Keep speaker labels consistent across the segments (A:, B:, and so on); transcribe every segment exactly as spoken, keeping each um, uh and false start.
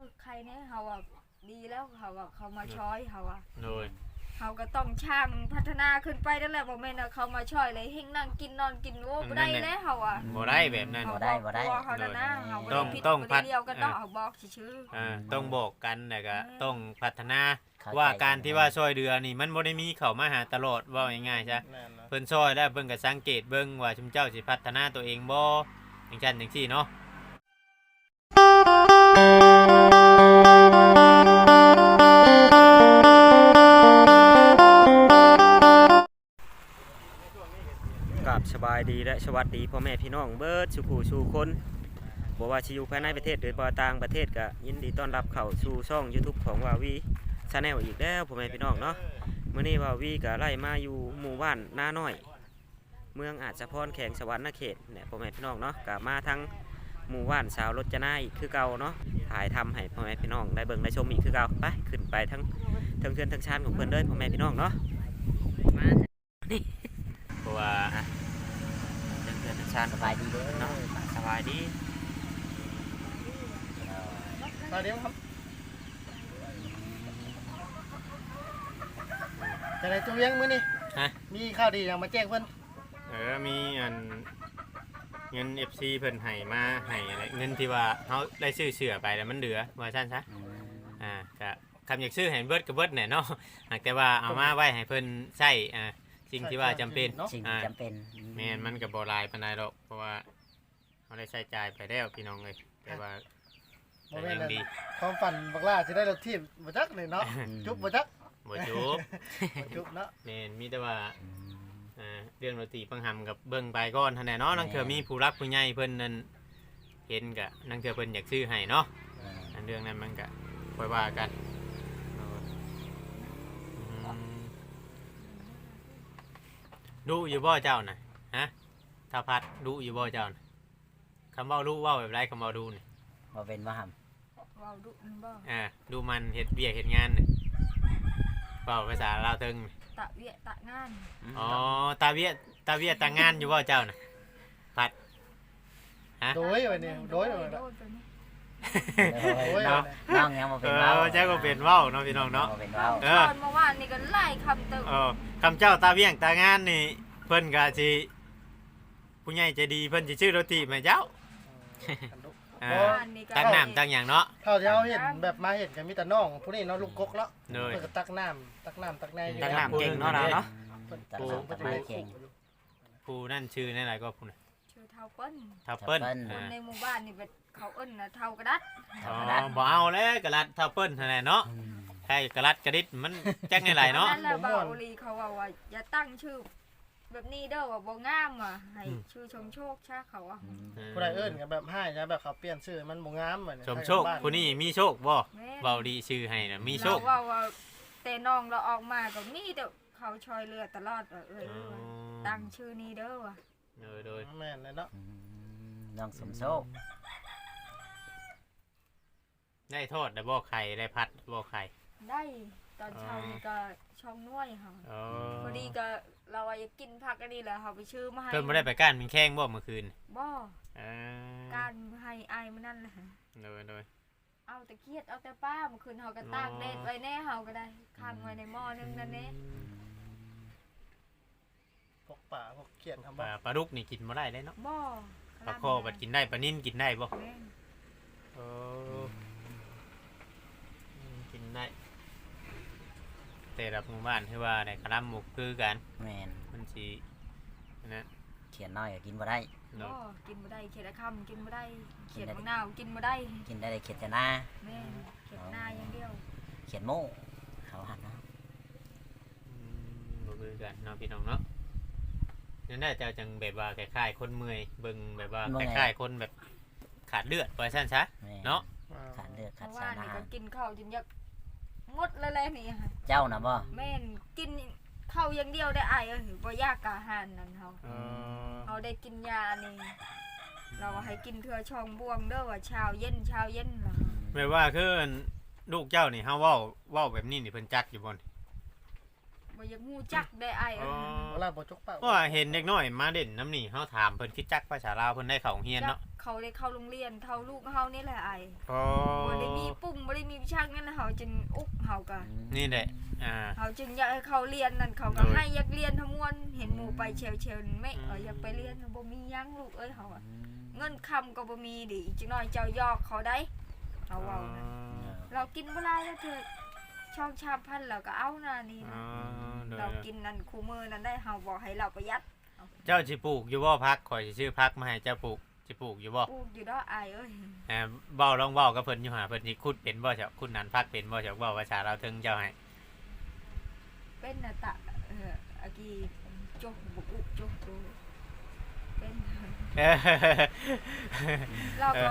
A: ใครเนี่ยเขาอ่ะดีแล้วเขาอ่ะเขามาช้อยเขาอ่ะ
B: โดย
A: เขาก็ต้องช่างพัฒนาขึ้นไปนั่นแหละบ่แม่นว่าเขามาช่อยเลยเฮงนั่งกินนอนกินโอ้บ่ได้แล้วเขาอ่ะ
B: บ่ได้แบบนั้น
A: เขาบอกตัวเขานั่นนะเขาบ่
B: ต้
A: ได้
B: อง
A: ผิด
B: ต้อง
A: บ่
B: พั
A: ได้
B: ฒ
A: เดียวกันต้องเอาบอกชื่อ
B: อ่าต้องบอกกันแล้วก็ต้องพัฒนา
C: เข้ใจ
B: ว่าการที่ว่าช่วยเดือนี่มันบ่ได้มีเข้ามาหาตลอดว่าง่ายๆซะ
D: แม่นนะ
B: เพิ่นช่วยแล้วเพิ่นก็สังเกตเบิ่งว่าชุมเจ้าสิพัฒนาตัวเองบ่จังซั่นจังซี่เนาะ
E: กับสบายดีและสวัสดีพ่อแม่พี่น้องเบิดสุขูสู่คนบ่ว่าสิอยู่ภายในประเทศหรือบ่ต่างประเทศก็ยินดีต้อนรับเข้าสู่ช่อง YouTube ของวาวีชาแนลอีกแล้วพ่อแม่พี่น้องเนาะมื้อนี้วาวีก็ไล่มาอยู่หมู่บ้านนาน้อยเมืองอาจสะพรแขวงสวรรณเขตเนี่ยพ่อแม่พี่น้องเนาะก็มาทั้งหมู่บ้านสาวรจนาอีกคือเก่าเนาะถ่ายทำให้พ่อแม่พี่น้องได้เบิ่งได้ชมอีกคือเก่าไปขึ้นไปทั้งทั้งเทือนทั้งชานของเพิ่นเด้อพ่อแม่พี่น้องเนาะมานี่
B: เพราะว่า
E: ทั้งเทือนทั้งชาน
C: สบายดีเด้อ
E: เนาะสบายดี
D: ตอนนี้ครับจะได้ตัวเวียงมื้อนี้
B: ฮะ
D: มีข่าวดีอย่างมาแจ้งเพิ่น
B: เออมีอันเงิน เอฟ ซี เพิ่นให้มาให้อะไรเงินที่ว่าเฮาได้ซื้อเสื้อไปแล้วมันเหลือว่าซั่นซะ
C: อืม
B: อ่าก็คำอยากซื้อให้เบิดก็เบิดแหน่เนาะหากแต่ว่าเอามาไว้ให้เพิ่นใช้อ่าสิ่งที่ว่าจำเป็น
D: เนาะ
C: สิ่งที่จำเป็น
B: แม่นมันก็บ่หลายปานใดดอกเพราะว่าเฮาได้ใช้จ่ายไปแล้วพี่น้องเอ้ยแต่ว่า
D: บ่
B: ก็
D: แม่น
B: ยัง
D: นะ
B: ดี
D: ความฝันบักล่าสิได้รถทีมบ่จักนี่เนาะจุบบ่จัก
B: บ่จุบ
D: บ่จุบเนาะ
B: แม่นมีแต่ว่า
C: อืม
B: อ่าเรื่องดนตรีปังหำกับเบิ่งไปก่อนเท่านั้นเนาะนังเถื่อมีผู้รักผู้ใหญ่เพิ่นนั่นเห็นกะนังเถื่อเพิ่นอยากซื้อให้เนาะ
C: อ่า
B: อันเรื่องนั้นมันก็ค่อยว่ากันเอออืมดูอยู่บ่เจ้าน่ะฮะถ้าพัดดูอยู่บ่เจ้าน่ะคำเว้ารู้เว้าแบบไรคำเว้าดูนี่
C: บ่เป็นว่าหำ
A: ๆเว้าดุมันบ่
B: อ่าดูมันเฮ็ดเวียกเฮ็ดงานน่ะเว้าภาษาลาวเทิงนี่
A: ตะเวียตะงาน
B: อ๋อตาเวียตาเวียตางานอยู่บ่เจ้าน่ะพัดฮะ
D: โดยไว้นี่โดย
A: โด
D: ไว้
A: ย
D: เนาะ
A: ไปนี่
C: โอ้ย
D: โอ้ย
C: น้องน้องยังบ่
B: เอ
C: เป็นเว้า
B: อเจ้าก็เป็นเว้าเนาะพี่น้องเนาะ
C: บ่เป็นเว้า
B: เอ
A: ต
B: อ
A: อนเมื่อวานนี่ก็ไล่คำเติม
B: เออคำเจ้าตาเวียงตางานนี่เพิ่นก็สิผู้ใหญ่ใจดีเพิ่นสิชื่อโรตีแม่เจ้าอ่า
A: เมื่อวานนี่ก็
B: ตักน้ำตักหยังเนาะ
D: เท่าที่เฮาเห็นแบบมาเห็นก็มีแต่น้องผู้นี้เนาะลูกกกเนาะ
B: เลย
D: เพิ่นก็ตักน้ำตักน้ำตักในอยู่
B: ตักน้ำเก่งเนาะเราเนาะ
D: เพิ่น
C: ตัด
D: เพิ่น
C: ตัด
D: จะ
C: ไม้
D: ได้
C: เก่ง
B: ผู้นั่นชื่อนั่นอะไรก็ผู้น่ะ
A: ชื่อเท่าเปิ้น
B: ทับเปิ้ล
C: ทับเปิ้ล
A: คน
B: อ่า
A: ในหมู่บ้านนี่เป็นเขาเอิ้นน่ะเท่ากระดัด
B: อ๋อบ่เอาแล้วกระลัดทับเปิ้ลเท่านั้นเนาะ
C: อืม
B: ใช่กระลัดกระดิดมันจักในไหลเนาะ
A: นั่นแหละบ่าวลีเขาว่าว่าอย่าตั้งชื่อ แบบนี้เด้อว่าบ่งามอ่ะให้ชื่อชมโชคชาเขาอ่ะ
C: อืม
D: ผู้ใดเอิ้นก็แบบให้นะแบบเขาเปลี่ยนชื่อมันบ่งามเหมือน
B: ชมโชคผู้นี้มีโชคบ่
A: แม่
B: เว้าดีชื่อให้น่ะมีโชค
A: เราว่าว่าแต่น้องเราออกมาก็มีแต่เขาช่วยเหลือตลอดว่าเอ้ย
B: อ๋อ
A: ว่าตั้งชื่อนี้เด้อว่ะ
B: โดยโดย
D: แม่นเลยเนาะ
C: อืมน้องสมโชค
B: ได้โทษได้บ่ไข่ได้พัดบ่ไข่
A: ได้ตอนเช้านี่ก็ช่องน้วยค่ะ
B: อ๋อ
A: พอดีก็เราว่าอยากกินผักอันนี้แหละเขาไปชื่อมาให้
B: เพิ่นบ่ได้ไปก้านเป็นแข้งบ่เมื่อคืน
A: บ่
B: อ่า
A: การให้อายมันนั่นแหละ
B: โดยโดย
A: เอาแต่เครียดเอาแต่ป้าเมื่อคืนเขาก็ตากแดดไว้แน่เขาก็ได้ค้างไว้ในหม้อนึงนั่นเอง
D: พวกป่าพวกเขียนทำ
B: ป
D: บ่
B: ลาปลาดุกนี่กินบ่ได้เลยเนาะ
A: บ่
B: ปลาคอบัดกินได้ปลานิ่นกินได้บ่
A: แม่น
B: โอ้อืมกินได้ แต่รับหมู่บ้านคือว่าได้คลำหมูคือกัน
C: แม่น
B: มันสิอันนะ
C: เขียนน้อยก็กินบ่ได้
B: เนาะ
A: บ่กินบ่ได้เขียดอะคำกินบ่ได้เขียดมะนาวกินบ่ได้
C: กินได้แต่เขียดแต่หน้า
A: แม่นเขียดหน้าอย่างเดียว
C: เขียนโม่เขาหันนะ
B: อืมบ่คือกันเนาะพี่น้องเนาะนั่นน่าจะจังแบบว่าคล้ายๆคนเมื่อยเบิ่งแบบว่าคล้ายๆคนแบบขาดเลือดว่าซั่นซะ
C: แม่
B: เนาะ
C: ขาดเลือด
A: เพ
C: ขาด
A: ราะ
C: สา
A: ว่าร
C: อา
A: นี่
C: หา
A: ก็
C: ร
A: กินข้าวจนอยากหมดเลยแหละนี่ค่ะ
C: เจ้านะบ่
A: แม่นกินข้าวอย่างเดียวได้อายเอ้ยบ่อยากกะอาหารนั่นเฮา
B: เออ
A: เฮาได้กินยานี่เราให้กินเทื่อช่องบวงเด้อว่าเช้าเย็นเช้าเย็นเหรอ
B: แบบว่าคือลูกเจ้านี่เฮาเว้าเว้าแบบนี้นี่เพิ่นจักอยู่บ่นี่
A: บ่อยากฮู้จักได้อาย
B: อ๋
A: เอ้
B: อย
D: เวลาบ่จกปาก
B: เพราะว่าเห็นเด็กน้อยมาเด่นน้ำนี่เฮาถามเพิ่นคิดจักภาษาลาวเพิ่นได้เข้าโรงเรียน
A: จั
B: เนาะ
A: กเขาได้เข้าโรงเรียนเท่าลูกเฮานี่แหละอาย
B: อ๋อ
A: บ่ได้มีปุ่มช่างนั่นแหละเขาจึงอุกเขาก็
B: นี่แหละอ่า
A: เขาจึงอยากให้เขาเรียนนั่นเขาก็
B: โดย
A: ให้อยากเรียนทั้งมวลเห็นหมู่ไปเชลเชลไม่เอออยากไปเรียนบ่มีหยังลูกเอ้ยเขาอะเงินคำก็บ่มีดิจังน้อยเจ้ายอกเขาได้เขาเว้านะเรากินบ่ได้แล้วเถิดช่องชามพันแล้วก็เอานะนี่
B: อ๋
A: นะ
B: อโดย
A: เรากินนั่นคู่มือนั่นได้เฮาบอกให้เราประหยัด
B: เจ้าสิปลูกอยู่บ่พักข่อยสิซื้อพักมาให้เจ้าปลูกสิปลูกอยู่บ่
A: ปลูกอยู่ดอกอายเอ้ย
B: เอ่อเว้าลองเว้ากับเพิ่นอยู่หาเพิ่นสิขุดเป็นบ่เจ้าขุดนั้นพักเป็นบ่เจ้าเว้าภาษาเราวถึงเจ้าให้
A: เป็นน่ะตะเอออากีจกบุกอุกจกดูเป็น
B: เออ
A: เราก็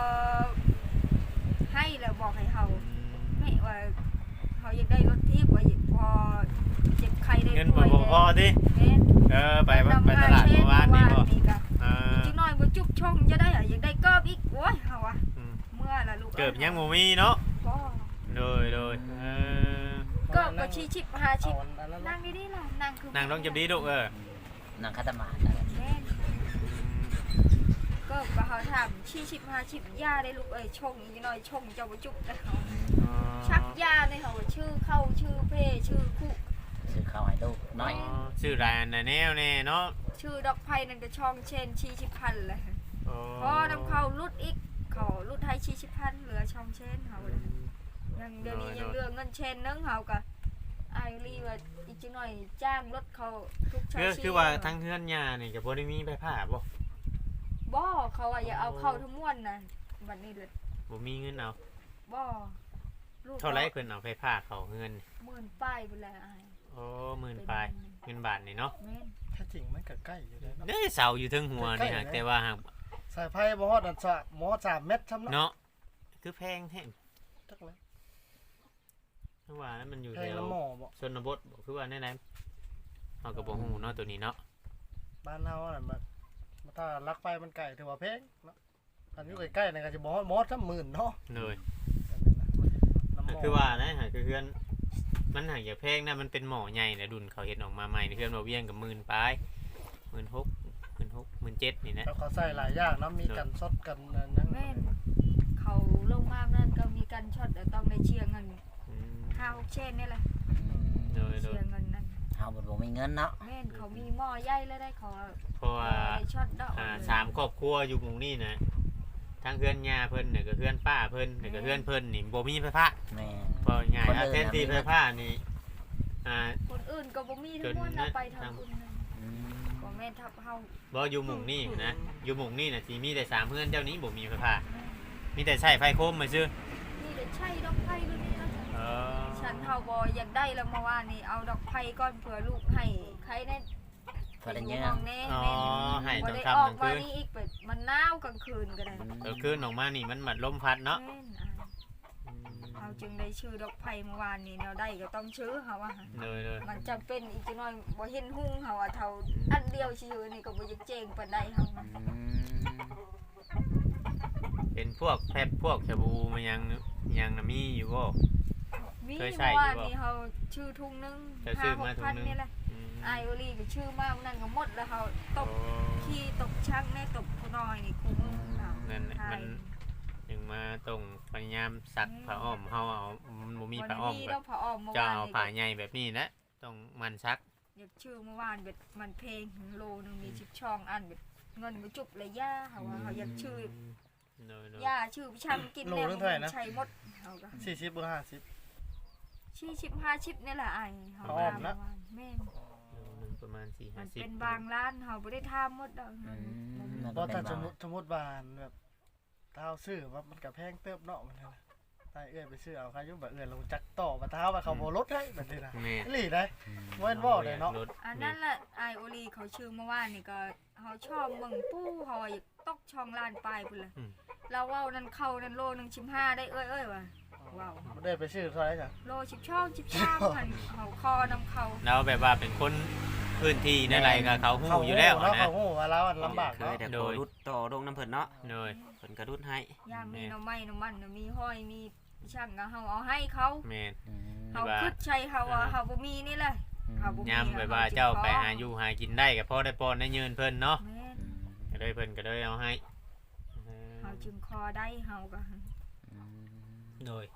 A: ให้แล้วบอกให้เขาไม่ว่าเขาอยากได้รถทิพย์ว่าพอเจ็บไข้ได้
B: เงิน
A: ป่
B: บ่
A: วย
B: บ่พอติ
A: แม่น
B: เออไปไปตลาดเมื่อวานนี่บ่
A: นี่ก็
B: เออ
A: จิงน้อยบ่จุบชงจะได้อะอยากได้เกิบอีกโอ้ยเฮาอะ
B: อืม
A: เมื่อละลูก
B: เกิบยังบ่มีเนาะ
A: บ่
B: โดยโดยเออ
A: เกิบก็ชี้ชิบหาชิบ
D: เอาอันนั้น
A: นั่งดีๆล่ะนั่งคือ
B: นั่งลงจับดีลูกเออ
C: นั่งคัตมาดนั่นแหละ
A: แม่นเกิบก็เฮาถามชี้ชิบหาชิบยาได้ลูกเอ้ยชงอีกหน่อยชงเจ้าบ่จุบแต่เฮาชักยาในเฮาชื่อเข้าชื่อเพชื่อคู่
C: ซื้อข้าวให้ลูกน้อย
B: อ๋อชื่อร้านน่ะแนวแน่เนาะ
A: ชื่อดอกไผ่นั่นก็ช่องเชนชี้ชิบพันเลย
B: อ๋อ
A: พอนำเข้ารุดอีกเขารุดไทยชี้ชิบพันเหลือช่องเชนเฮาเลยยังเดี๋ยวนี้ยังเหลือเงินเชนนึงเฮาก็ไอรีว่าอีกจังหน่อยจ้างรถเขาทุกชา
B: คือ
A: ชี
B: คือว่าทั้งเฮือนยานี่ก็บ่ได้มีใบผ้าบ่
A: บ่เขาว่าอย่าเอาเข้าทั้งม้วนน่ะบัดนี้เลย
B: บ่มีเงินเอา
A: บ่ลูก
B: เท่าไรเพิ่นเอาไฟผ้าเขาเงิน
A: หมื่นป้ายไปแล้วอาย
B: โอ้หมื่นปลายเงินบาทนี่เนาะ
A: แม่น
D: แท้จริงมันก็ใกล้อยู่เลยเนาะ
B: เด้เสาอยู่เทึงหัวนี่ฮะแต่ว่าหาก
D: สายไฟบ่ฮอดอันสะหมอสามเม็ดซ้ำเนาะ
B: เนาะคือแพงแท้
D: จักแล้ว
B: คือว่านั้นมันอยู่
D: แพ
B: แถ
D: ง
B: ว
D: ละหมอบ่
B: ชนบทบ่คือว่าแน่ๆเฮาก็บ่ฮู้เนาะตัวนี้เนาะ
D: บ้านเฮาน่ะมันถ้าลักไฟมันไกลถือว่าแพงเนาะอันอยู่ใกล้ๆนี่ก็สิบ่ฮอดหมอซ้ำหมื่นเนาะ
B: เลย
D: อันนี้นะน้ำหม
B: คือว่านะหากคือเฮือนมันหากอย่าแพงนะมันเป็นหม้อใหญ่นะดุนเขาเฮ็ดออกมาใหม่เฮือนบ่เวียงกับหมื่นปลายหมื่นหกหมื่นหกหมื่นเจ็ดนี่นะ
D: แล้วเขาใส่หลายอย่างเนาะมีกันสดกันอันนั้น
A: แม่นเขาลงมานั่นก็มีการช็อตแต่ต้องได้เชียร์เงิน
B: อืม
A: ห้าหกเชนนี่แหละ
B: โดยโด
A: เชี
B: ย
A: ยร์เงินนั่น
C: เฮาบ่บ่มีเงินเนาะ
A: แม่นเขามีหม้อใหญ่แล้วได้เขา
B: เพราะว่า
A: ได้ช็อตดอก
B: อ่าสามครอบครัวอยู่หมู่นี้นะทั้งเฮือนย่าเพิ่นเนี่ยก็เฮือนป้าเพิ่นเนี่ยก็เฮือนเพิ่นนี่บ่มีไฟฟ้า
C: แม่
B: เพราะง่ายๆแทนที่ไฟฟ้านี่อ่า
A: คนอื่นก็บ่มีทั้งหมดเอาไปทางคุณนั่น
C: อืม
A: บ่แม่นทับเฮา
B: บ่อยู่หมู่นี้นะอยู่หมู่นี้น่ะสิมีแต่สามเฮือนเจ้านี้บ่มีไฟฟ้ามีแต่ใช้ไฟโคมมาซื่อ
A: นี่เดี๋ยวใช่ดอกไผ่รุ่นนี้นะ
B: เออ
A: ฉันเฮาบ่อยากได้แล้วเมื่อวานนี้เอาดอกไผ่ก่อนเผื่อลูกให้ใครแน่
C: พอได้เย
A: ยู่
C: อะ
A: ห้องแน่
B: อ๋อ
A: แม่
B: ให้
A: บ่
B: ตอน
A: ได้
B: ค่ำ
A: ออก
B: กลาง
A: มา
B: คืน
A: นี่อีกแบบมันหนาวกลางคืนก็ได้
B: เออคืนออกมานี่มันหมัดลมพัดเนาะ
A: แม่นอ่ะเฮาจึงได้ชื่อดอกไผ่เมื่อวานนี้แนวได้ก็ต้องชื่อเฮาว่า
B: เลยเลย
A: มันจำเป็นอีกจักหน่อยบ่เห็นหุ่งเฮาว่าเท่าอันเดียวชื่อนี่ก็บ่อยากเจ๊งปานใดเฮา
C: อืม
B: เป็นพวกแพบพวกชาบูมันยังยังน่ะมีอยู่บ่
A: มี
B: เคยใส่
A: เมื่อ
B: อยู่บ่
A: วานนี้เฮาชื่อทุ่งนึง
B: เคยซื้อมา
A: ห้หก
B: ถุง
A: พัน
B: นึง
A: นี่แหละ
B: อืม
A: ไอโอลีก็ชื่อมานั่นก็หมดแล้วเฮาต
B: โอ้
A: บขี้ตบช่างแน่ตบผู้น้อยนี่คุ้มเฮา
B: นั่นแหละ
A: ใช่
B: มันยังมาต้องพยายามซักผ้าอ้อมเฮาเอามันบ่มีผ้าอ้อม
A: วันนี้
B: แบ
A: เรา
B: บ
A: ผ้าอ้อมเมื่อ
B: จะ
A: วาน
B: เอา
A: นี่
B: ผ้าใหญ่แบบนี้นะต้องมันซัก
A: อยากชื่อเมื่อวานแบบมันเพลงโลนึงมีสิบช่องอันแบบเงินบ่จุบเลยย่าเฮาว่าเฮาอยากชื่อ
B: โดยโดย
A: ย่าชื่อพี่ช่างกินแล้วใช้หมดเฮาก็
D: สี่สิบหรือห้าสิบ
A: ชี้ชิบห้าชิบนี่แหละไอ้เฮา
D: อ้อมนะ
A: แม่น
B: โลนึงประมาณสี่
A: มั
B: ห้าน สิบ
A: เป็นบางร้านเฮาบ่ได้ทำหมดดอก
C: อืม
D: บ่ถ้าสมมุติสมมุติว่าแบบถ้าเอาซื้อว่ามันก็แพงเติบเนาะมันนะตายเอื้อยไปซื้อเอาใครอยู่แบบเอื้อยลงจักต่อมาเท้าว่าเขาบ่ลดให้แบบนี้นะ
B: แม่
D: อีหลีได้เว้นบ่ได้เนาะ
B: รถ
A: อันนั้นแหละไอโอลีเขาชื่อเมื่อวานนี่ก็เฮาชอบเบิ่งปู้เฮาอยากตกช่องล้านปลายพุ่นล่ะเราเว้านั่นเข้านั่นโลนึงสิบห้าได้เอ้ยเอ้ยว่ะว้าว
D: บ่ได้ไปซื้อเท่าไหร่จ้ะ
A: โลสิบช่องสิบสามพันเฮาคอนำเขา
B: แล้วแบบว่าเป็นคนพื้นที่นั่นไรก็เขาหู้อยู่แล้ว
D: เนาะ
B: นะ
D: เขาฮู้ว่าเราลำบาก
E: เคย
D: เนาะ
E: แต่
B: โด
E: ขอย รุดต่อลงน้ำเพิ่นเนาะ
B: โดย
E: เพิ่นก็รุดให้
A: ย่างมีหน่อไม้หน่อมันน่ะมีห้อยมีช่างก็เฮาเอาให้เขา
B: แม่น
C: อืม
A: เฮาคิดใช้เฮาว่าเฮาบ่มีนี่แหละเฮาบ่มี
B: ย้ำแบบว่าเจ้าไปหาอยู่หากินได้ก็พอได้ปอนได้ยืนเพิ่นเนาะ
A: แม่น
B: ก็เลยเพิ่นก็เลยเอาให้
A: เฮาจึงคอได้เฮาก็
C: อืม
B: โดย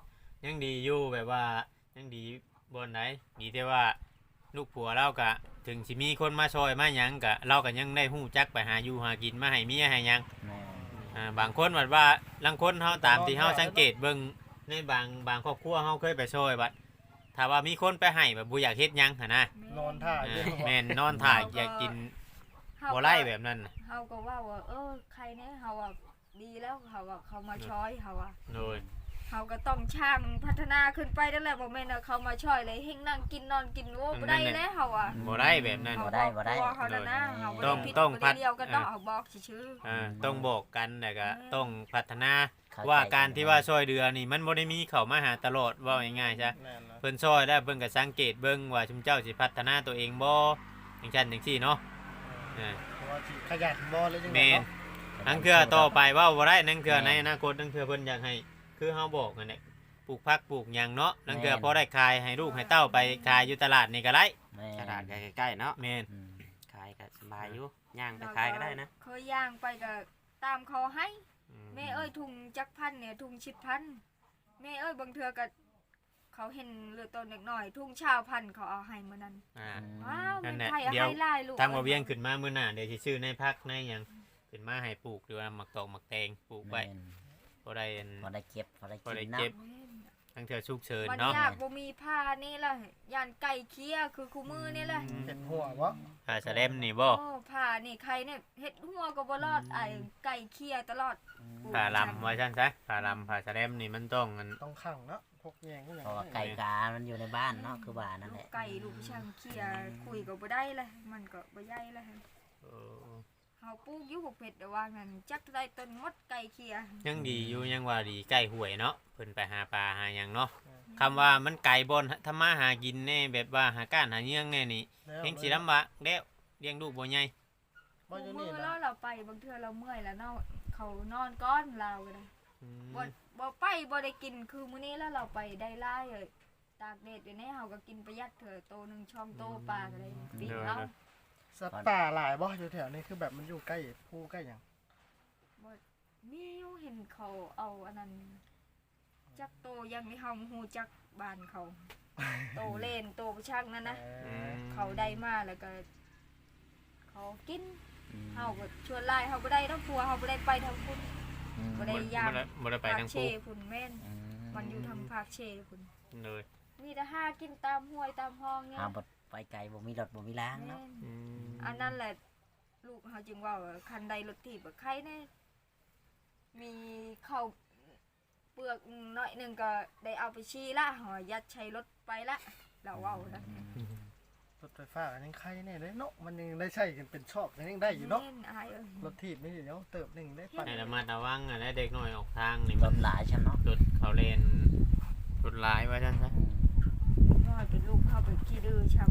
B: ยังดีอยู่แบบว่ายังดีบนไหนดีแต่ว่าลูกผัวเราก็ถึงสิมีคนมาช่วยมาหยังก็เราก็ยังได้ฮู้จักไปหาอยู่หากินมาให้เมียให้หยัง
C: แม่
B: อ่าบางคนว่าว่าลางคนเฮาตามที่เฮาสังเกตเบิ่งในบางบางครอบครัวเฮาเคยไปช่วยบัดถ้าว่ามีคนไปให้แบบบ่อยากเฮ็ดหยังหั่นนะ
D: นอนท่า
B: อ่า
D: เรื่อง
B: แม่นนอนถ่ายอยากกิน
A: เฮา
B: บ่ไล่แบบนั้นน่ะ
A: เฮาก็ว่าว่าเออใครเนี่ยเฮาว่าดีแล้วเฮาว่าเขามาช่วยเฮาว่า
B: โดย
A: เฮาก็ต้องช่างพัฒนาขึ้นไปนั่นแหละบ่แม่นว่าเขามาช่วยเลยเฮงนั่งกินนอนกินโอ้บ่ได้แล้วเฮาว่า
B: บ่ได้แบบนั้น
A: เฮาบอกตัวเฮานั่นนะเฮาบ่
B: ต้
A: ได้
B: อง
A: ผิด
B: ต้อง
A: บ่
B: พั
A: ได้
B: ฒ
A: เดียวกันดอกเฮาบอกซื่อ
B: อ่าต้องบอกกันแล้วก็
A: อืม
B: ต้องพัฒนา
C: เข้ใจ
B: ว่าการที่ว่าช่วยเดือนี่มันบ่ได้มีเข้ามาหาตลอดว่าง่ายๆซะ
D: แม่นนะ
B: เพิ่นช่วยได้เพิ่นก็สังเกตเบิ่งว่าชุมเจ้าสิพัฒนาตัวเองบ่จังซั่นจังซี่เนาะอ่า
D: เพราะว่าสิขยันบ่เลยจัง
B: แม่
D: ได๋
B: น
D: เนาะ
B: ทั้งเทื่อต่อไปเว่าบ่ได้ทั้งเทื่อในอนาคตทั้งเทื่อเพิ่นอยากให้คือเฮาบอกนั่นแหละปลูกผักปลูกหยังเนาะทั้งเทื่อพอได้ขายให้ลูกให้เต้าไปขายอยู่ตลาดนี่ก็ได้
C: แม่
E: กระดาษใกล้ๆเนาะ
B: แม่น
C: อืม
E: ขายก็สบายอยู่ย่าง
A: ๆ
E: ไปขายก็ได้นะ
A: เคยย่างไปก็ตามเขาให้
B: อื
A: แม่เอ้ยถุงจักพันเนี่ยถุงชิดพันแม่เอ้ยบางเทื่อก็เขาเห็นเหลือตัวเล็กน้อยถุงชาวพันเขาเอาให้มื้อนั้น
B: อ่า
A: ว้าว
B: นั่
A: แม่
B: นแหละ
A: ไทยเอา
B: เดี๋ยว
A: ให้หลายลูก
B: ทางบ่เวียงขึ้นมามื้อหน้าเดี๋ยวสิซื้อในผักในหยังขึ้นมาให้ปลูกหรือว่าหมักตอกหมักแตงปลูกไว้
C: แม่น
B: บ่ได้อัน
C: พอได้เก็บพอได้
B: พอได้
C: กินเนาะ
B: เก็บ
A: แม่น
B: ทั้งเทื่อฉุกเฉิน
A: มัน
B: เนาะ
A: ยากบ่มีผ้านี่ล่ะย่านไก่เคี้ยคือคู่มือนี่แหละ
D: เห็ดหัวบ่
B: ผ้าสะเลมนี่บ่
A: โอ้ผ้านี่ใครเนี่ยเฮ็ดหัวก็บ่รอดไอ้ไก่เคี้ยตลอด
B: ผ้าลำว่าซั่นซะผ้าลำผ้าสะเลมนี่มันต้องอัน
D: ต้องขังเนาะพกแยงก็อย่าง
C: เพราะว่าไก่กามันอยู่ในบ้านเนาะคือบ้านนั่นแห
A: ลูก
C: ละ
A: ไก่ลูกช่างเคี้ยคุยก็บ่ได้เลยมันก็บ่ใหญ่เลย
B: เออ
A: เฮาปลูกอยู่หกเพชรแต่ว่างั้นจักได้ต้นมดไก่เคี้ย
B: ยังดีอยู่ยังว่าดีใกล้ห้วยเนาะเพิ่นไปหาปลาหาหยังเนาะคำว่ามันไกลบ่นทำมาหากินแน่แบบว่าหาก้านหาเยื่องแน่นี่
D: แล้ว
B: เฮงสิลำบากแล้วเลี้ยงลูกบ่ใหญ่
D: บ่อยู่
A: มื
D: นี่
A: อ
D: นะ
A: แล้วเราไปบางเทื่อเราเมื่อยแล้วเนาะเขานอนก้อนเราก็ได้
B: อืม
A: บ่บ่ไปบ่ได้กินคือมื้อนี้แล้วเราไปได้หลายเลยตากแดดอยู่ในเฮาก็กินประหยัดเถอะโตหนึงช่องโตปลาก็ได้ปีเอา
D: สัตว์ป่าหลายบ่อยู่แถวนี้คือแบบมันอยู่ใกล้ภูใกล้หยัง
A: มีอยู่เห็นเขาเอาอันนั้นจักโตยังไม่เฮาฮู้จักบ้านเขา โตเล่นโตประชักนั่นนะ
D: เอ
B: อื
D: อ
B: ม
A: เขาได้มาแล้วก็ เขากิน
C: อืม
A: เฮาก็ชวนไล่เฮาบ่ได้ดอกพัวเฮาบ่ได้ไปทางพุ่น
C: อืม
A: บ่ได้ ย่าง
B: บ่ได้บ่ได้ไป
A: ภาค
B: ทั้ง
A: เช
B: คู่
A: พุ่นแม่น
C: อื
A: มันอยู่ทางภาคเชพุ่น
B: เลย
A: มีแต่หากินตามห้วยตามห้องเนี่ย
C: เอาบดไปไกลบ่มีรถบ่มีล้าง
A: แม่
C: เนาะ
A: น
B: อืม
A: อันนั้นแหละลูกเฮาจึงว่าว่าคันใดรถถีบอะใครแน่มีข้าวเปลือกหน่อยหนึงก็ได้เอาไปชี้ละหอยัดใช้รถไปละเราเว้านะ
D: รถไฟฟ้าก็ยังใครแน่เลยเนาะมันยังได้ใช้กันเป็นชอบยังได้อยู่เนาะ
A: แม่อายเอ้ย
D: รถถีบนี่เดี๋ยวเติบหนึงได้ปั่น
B: ให้ระมัดระวังอ่ะนะเด็กน้อยออกทางนี่
C: ร
B: มัน
C: ถหลายใช่เนาะ
B: รถเขาเล่นรถหลายว่าซั่นซะ
A: น้อยเป็นลูกเข้าไปขี้ดื้อชัง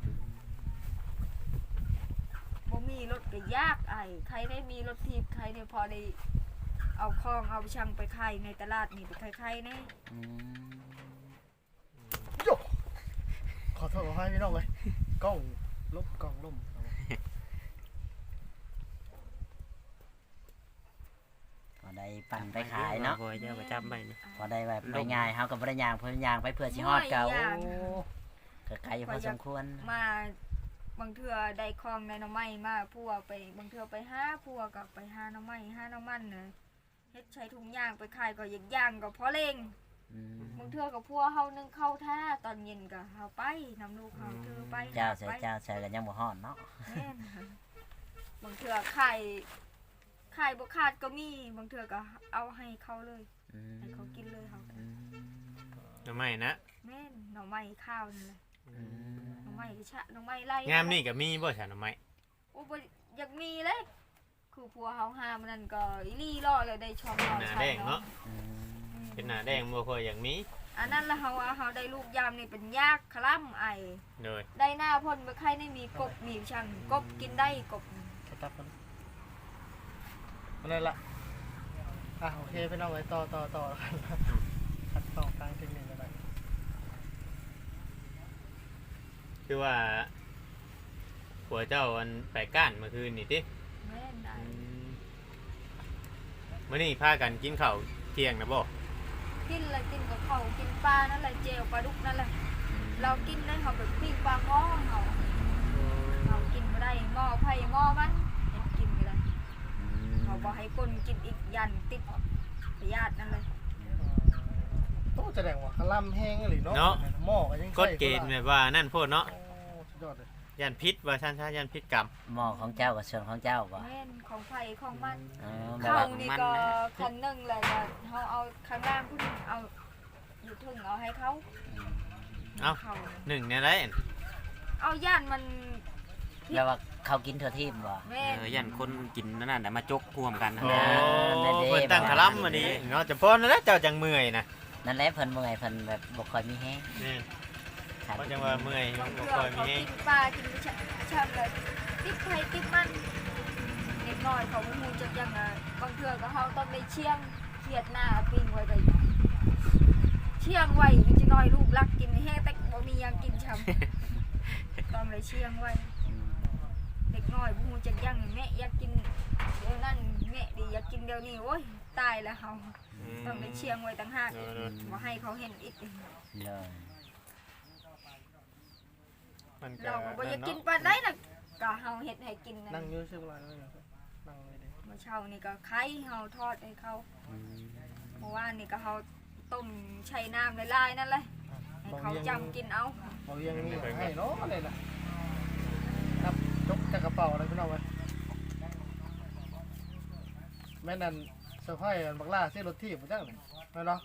A: บ่มีรถก็ยากไอ้ใครได้มีรถถีบใครเนี่ยพอได้เอาคองเอาช่างไปขายในตลาดนี่ไปขายๆแน่
C: อืม
D: โยขอโทษขอให้พี่น้องเลยกล้องลบกล้องล่ม
C: พอได้ปั่นไปขายเนาะ
E: บ่จะมาจับไปนี่
C: พอได้แบบไปง่ายเฮาก็บ่ได้ย่างเพิ่นย่างไปเพื่อสิฮอดเก่าโอ้ก็ไกลอยู่พอสมควร
A: มาบางเทื่อได้คองในหน้ำไม้มาพัวไปบางเทื่อไปหาพัวกับไปหาหน้ำไม้หาน้ำมันน่ะเฮ็ดใช้ถุงย่างไปขายก็อยากย่างก็พอเล่ง
C: อืม
A: บางเทื่อกับพัวเฮานึงเข้าท่าตอนเย็นก็เฮาไปนำลูกเฮาเทื่อไป
C: เจ้า
A: ห
C: ใส่
A: ไป
C: เจ้าใส่กันยังบ่ฮอดเนาะ
A: แม่นค่ะบางเทื่อขายขายบ่ขาดก็มีบางเทื่อก็เอาให้เขาเลย
C: อืม
A: ให้เขากินเลยเฮาก็
C: อืม
B: ทำไมนะ
A: แม่นหน่อไม้ข้าวนั่นแหละ
C: อืม
A: หน่อไม้ก็ชะหน่อไม้ไล่
B: งามนี่ก็มีบ่ฉันทำไม
A: โอ้บ่อยากมีเลยคือพัวเฮาหามันนั่นก็อีหลี่ล่อเลยได้ช่องล่อ
B: หน้า
A: ใช้
B: แดงเนาะ
C: อืม
B: เป็นหน้าแดงบ่ค่อยอย่างนี้
A: อันนั้นละเฮาว่าเฮาได้ลูกยามนี่เป็นยากคล่ำไอ
B: เลย
A: ได้หน้าพ่นบ่ใครได้มีกบมีช่างกบกินได้กบ
D: สตาร์ทมันนั่นแหละอ่ะโอเคพี่น้องไว้ต่อต่อต่อแล้วกันคัดต่อทางเทคนิคอะไร
B: คือว่าผัวเจ้าอันไปก้านเมื่อคืนนี่ติ
A: แม่นได้
B: มื้อนี้พากันกินข้าวเที่ยงนะบ่
A: กินแล้วกินกับข้าวกินปลานั่นแหละเจลปลาดุกนั่นแหละเรากินได้เขาแบบปิ้งปลาหม้อเขาเรากินไม่ได้หม้อไผ่หม้อมันยังกินไม่ได้เขาบอกให้คนกินอีกยันติดพยาธินั่นเลย
D: โอ้แสดงว่าคลำแห้งหรือเนาะ
B: เนาะ
D: หม้อก็ยัง
B: กฎเกณฑ์แบบว่านั่นโพดเนาะ
D: โอ้สุดยอดเลย
B: ยันพิษว่าซั่นซะยันพิษกรรม
C: หม้อของเจ้ากับส่วนของเจ้าบ่
A: แม่นของไผ่ของมัน
C: อ๋อแบบ
A: เขา
C: ว่า
A: นี่
B: มัน
A: ก็
B: นะ
A: คันหนึ่งเลยนะเขาเอาข้างล่างพุ่นเอาอยู่ถึงเอาให้เขา
B: เอ้า
A: เขา
B: หนึ่งเนี่ยแหละ
A: เอาย่านมัน
C: แบบว่าเขากินทั่วทีมบ่
A: แม่
E: เอน อยันคนกินนั่นน่ะมาจกร่วมกัน
B: โอ้
C: นั่นเด้
B: เพิ่นตั้งคลัมมานี้เนาะจะพอนั่นแหละเจ้าจังเมื่อยนะ
C: นั่นแหละเพิ่นเมื่อยเพิ่นแบบบ่ค่อยมีแฮง
B: นี่
C: ขาด
B: เขาจังว่าเมื่อย
A: บาง
B: บ่
A: เทื่อ
B: ค่อยมี
A: เขา
B: แฮง
A: กินปลากินชะชามเลยติดไผ่ติดมันเด็กน้อยเขาไม่มูจักยังไงบางเทื่อก็เขาต้องได้เชียงเขียดหน้าปิ้งไว้ไปเชียงไว้มันจะน้อยลูกรักกินแห้งแต่บ่มีหยังกินช้ำต้องเลยเชียงไว้
C: อืม
A: เด็กน้อยพูจักยังแม่อยากกินเดี๋ยวนั้นแม่ดีอยากกินเดี๋ยวนี้โอ้ยตายแล้วเฮาต้องไปเชียงไว้ต่างหากอีกบ่ให้เขาเห็นอีก
C: เลย
B: มัน
A: เราก็บ่อยากกินปานใดน่ะก็เฮาเฮ็ดให้กิน
D: นั่
A: นั่
D: ง
A: น
D: อยู่ชื่ออะไรนั่งนั่งเลยดิ
A: เมื่อเช้านี่ก็ไข่เฮาทอดให้เขา
C: อืม
A: เมื่อวานนี่ก็เฮาต้มใช้น้ำลายๆนั่นแหละให้เขาจำกินเอา
D: เขายังมีให้เนาะอะไรน่ะนับจกจากกระเป๋าอะไรพี่น้องไว้แม่นั่นเซอร์ไพรส์บักล่าซื้อรถที่ผมจังเลยเนาะ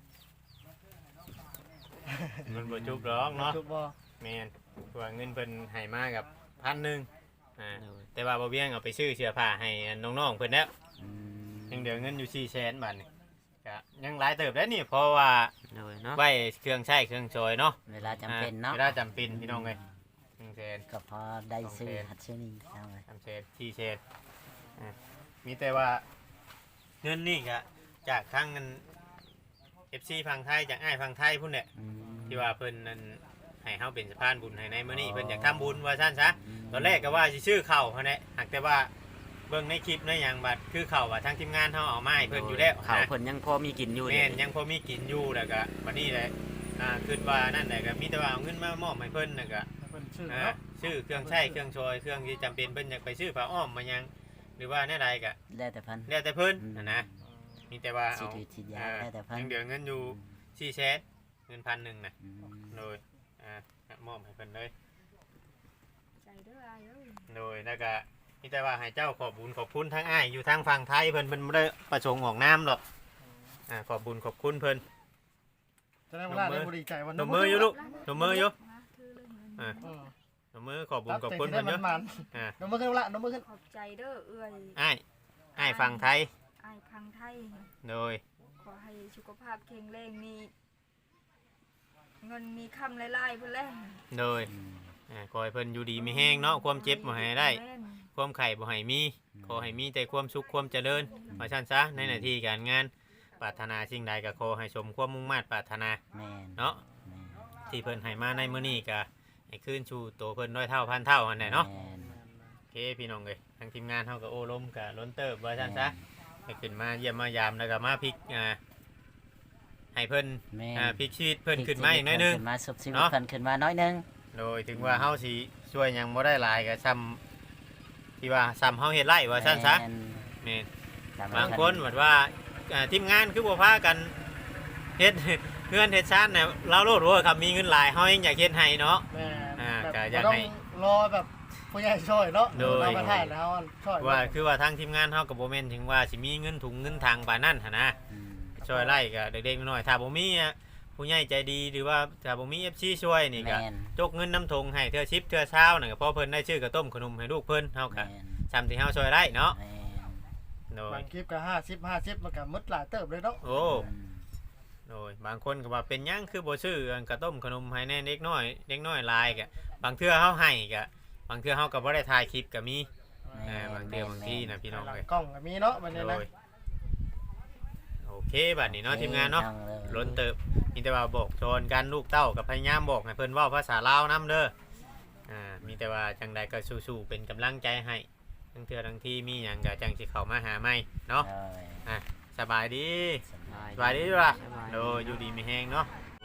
B: มันบ่จุบหรอกเนาะ
D: จุดบ่
B: แม่นว่าเงินเพิ่นให้มากับพันหนึ่งอ่าแต่ว่าบ่เบี้ยงเอาไปซื้อเสื้อผ้าให้น้องๆเพิ่นแล้ว
C: อืม
B: ยังเหลือเงินอยู่สี่แสนบาทนี่ก็ยังหลายเติบได้นี่เพราะว่า
E: เลยเนาะ
B: ไว้เครื่องใช้เครื่องซอยเนาะ
C: เวลาจำเป็นเนาะ
B: เวลาจำเป็นพี่น้องเอ้ยหนึ่งแสน
C: ก็พอได้ซื้อหัดซื้อนี่เอาไว้
B: สามแสนสี่แสนอ่ามีแต่ว่าเงินนี่ก็จากทางเงิน เอฟ ซี ฝั่งไทยจากอ้ายฝั่งไทยพุ่นเนี่ย
C: อืม
B: ที่ว่าเพิ่นนั่นให้เฮาเป็นสะพานบุญให้ในมื้อนี้เพิ่นอยากทำบุญว่าซั่นซะตอนแรกก็ว่าสิชื่อเข้าเฮาแหละหากแต่ว่าเบิ่งในคลิปในหยังบัดคือเข้าว่าทางทีมงานเฮาเอามาให้เพิ่นอยู่แล้ว
E: เขา
B: นะ
E: เพิ่นยังพอมีกินอยู่
B: แม่น
E: เนี่
B: ยังพอมีกินอยู่แล้วก็บัดนี้แหละอ่าคิดว่านั่นแหละก็มีแต่ว่าเอาเงินมามอบให้เพิ่นน่ะก็
D: เป็นชื่อ
B: อ่า
D: เนาะ
B: ซื้อเครื่องใช้เครื่องชอยเครื่องที่จำเป็นเพิ่นอยากไปซื้อผ้าอ้อมมายังหรือว่าแนวใดก็
C: แล้วแต่เพิ่น
B: แล้วแต่เพิ่นน่ะนะมีแต่ว่า
C: สิ
B: เอา
C: ถือสิยา
B: อ่า
C: แล้วแต่เพิ่น
B: ยังเหลือเงินอยู่สี่แสนเงินพันหนึ่งน่ะ
C: อืม
B: โดยอ่ามอบให้เพิ่นเลย
A: ใจเด้ออายเอ้ย
B: โดยแล้วก็มีแต่ว่าให้เจ้าขอบบุญขอบคุณทั้งอ้ายอยู่ทางฝั่งไทยเพิ่นเพิ่นบ่ได้ประสงค์ออกน้ำหรอกอ่าขอบบุญขอบคุณเพิ่น
D: จะได้เวลาได้บริใจวัน
B: หนมมืออยู่ลูก หนูมืออยู่
A: มาถือเลย
B: อ่า
D: อืม
B: หนมมือขอบบุญ
D: รับ
B: ขอบ
D: แต่
B: คุณ
D: ที่ได้
B: เพิ่นเย
D: มั
B: อะ
D: นมัน
B: อ่า
D: ๆนมมือขึ้นละนมมือขึ้น
A: ขอบใจเด้อเอื้อย
B: อ้ายอ้ายฝั่งไทย
A: อายพังไทย
B: โดย
A: ขอให้สุขภาพแข็งแรงมีเงินมีคำหลายๆเพิ่นแหละ
B: โดย
C: อืม
B: อ่าขอให้เพิ่นอยู่ดีมีแห้งเนาะความเจ็บบ่ให้ได้
A: แม่น
B: ความไข่บ่ให้มีขอให้มีแต่ความสุขความเจริญว่าซั่นซะในหน้าที่การงานปรารถนาสิ่งใดก็ขอให้สมความมุ่งมั่นปรารถนา
C: แม่น
B: เนาะ
C: แม่น
B: ที่เพิ่นให้มาในมื้อนี้ก็ให้คืนชูตัวเพิ่นร้อยเท่าพันเท่าหั่นแหละเนาะ
C: แม่น
B: โอเคพี่น้องเอ้ยทางทีมงานเฮาก็โอ้ล้มก็ล้นเติบว่าซั่นซะให้ขึ้นมาเยี่ยมมายามแล้วก็มาพลิกอ่าให้เพิ่น
C: แม่น
B: อ่าพลิกชีวิตเพิ่นขึ้นมาอีกหน้อยหนึง
C: ขึ้นมาสุบชีวิต
B: เนาะ
C: เพิ่นขึ้นมาน้อยหนึง
B: โดยถึงว่าเฮาสิช่วยหยังบ่ได้หลายก็ซ้ำที่ว่าซ้ำเฮาเฮ็ดไร่ว่าซั่นซะ
C: แม่น
B: แม่น
C: ตม
B: บางคนแบบว่าอ่าทีมงานคือบ่พากันเฮ็ด เพื่อนเฮ็ดชาติเนี่ยเราโลดว่าครับมีเงินหลายเฮายังอยากเฮ็ดให้เนาะ
D: แม่
B: อ่า
D: แบบ
B: ก็อยาก
D: บ่ต้อ
B: ให้
D: งรอแบบผู้ใหญ่ช่วยเนาะ
B: โดย
D: เรามาถ่ายแล้วช่วย
B: ว่าคือว่าทางทีมงานเฮาก็บ่แม่นถึงว่าสิมีเงินถุงเงินทางปานนั้นหั่นนะ
C: อืม
B: ช่วยไล่ก็เด็กๆน้อยๆถ้าบ่มีอ่ะผู้ใหญ่ใจดีหรือว่าถ้าบ่มี เอฟ ซี ช่วยนี่ก็
C: แม่น
B: จกเงินน้ำทงให้เทื่อชิปเทื่อเช้านั่นก็พอเพิ่นได้ชื่อกระต้มขนมให้ลูกเพิ่นเฮาก็
C: แม่น
B: ซ้ำที่เฮาช่วยได้เนาะ
C: แม่น
B: โดย
D: บางคลิปก็ห้าสิบห้าสิบมันก็หมดหลายเติบเลยเนาะ
B: โอ้
C: อืม
B: โดยบางคนก็ว่าเป็นหยังคือบ่ซื้ออันกระต้มขนมให้แน่เด็กน้อยเด็กน้อยหลายก็บางเทื่อเฮาให้ก็บางเทื่อเฮาก็บ่ได้ถ่ายคลิปก็มี
C: แม่น
B: เออบางเทื่อบางที่นะพี่น้อง
D: หลั
B: เอ้ย
D: กล้องก็มีเนาะบัดนี้
B: โด
D: นะ
B: ยโอเคบัดนี้เนาะทีมงานเนาะ
C: ต้องเลย
B: ล้นเติบมีแต่ว่าบอกโจรกันลูกเต้ากับพยายามบอกให้เพิ่นเว้าภาษาลาวนํเด้ออ่ามีแต่ว่าจังใดก็สู้ๆเป็นกำลังใจให้ทั้งเทื่อทั้งที่มีหยังก็จังสิเข้ามาหาใหม่เนาะ
C: เลย
B: สบายดี
C: สบาย
B: สบายดีว่ะโดยอยู่ดีมีแฮงเนาะโ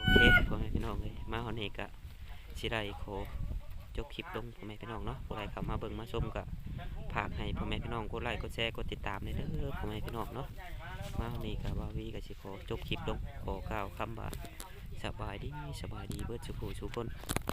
E: โอเคพ่อแม่พี่น้องเลยมาฮอนนี้ก็สิได้ขอจบคลิปลงพ่อแม่พี่น้องเนาะผู้ใดเข้ามาเบิ่งมาชมก็ฝากให้พ่อแม่พี่น้องกดไลค์กดแชร์กดติดตามเลยเด้อพ่อแม่พี่น้องเนาะมาฮอนนี้ก็บ่าววีก็สิขอจบคลิปลงขอกล่าวคำว่าสบายดีสบายดีเบิดสุขสุขคน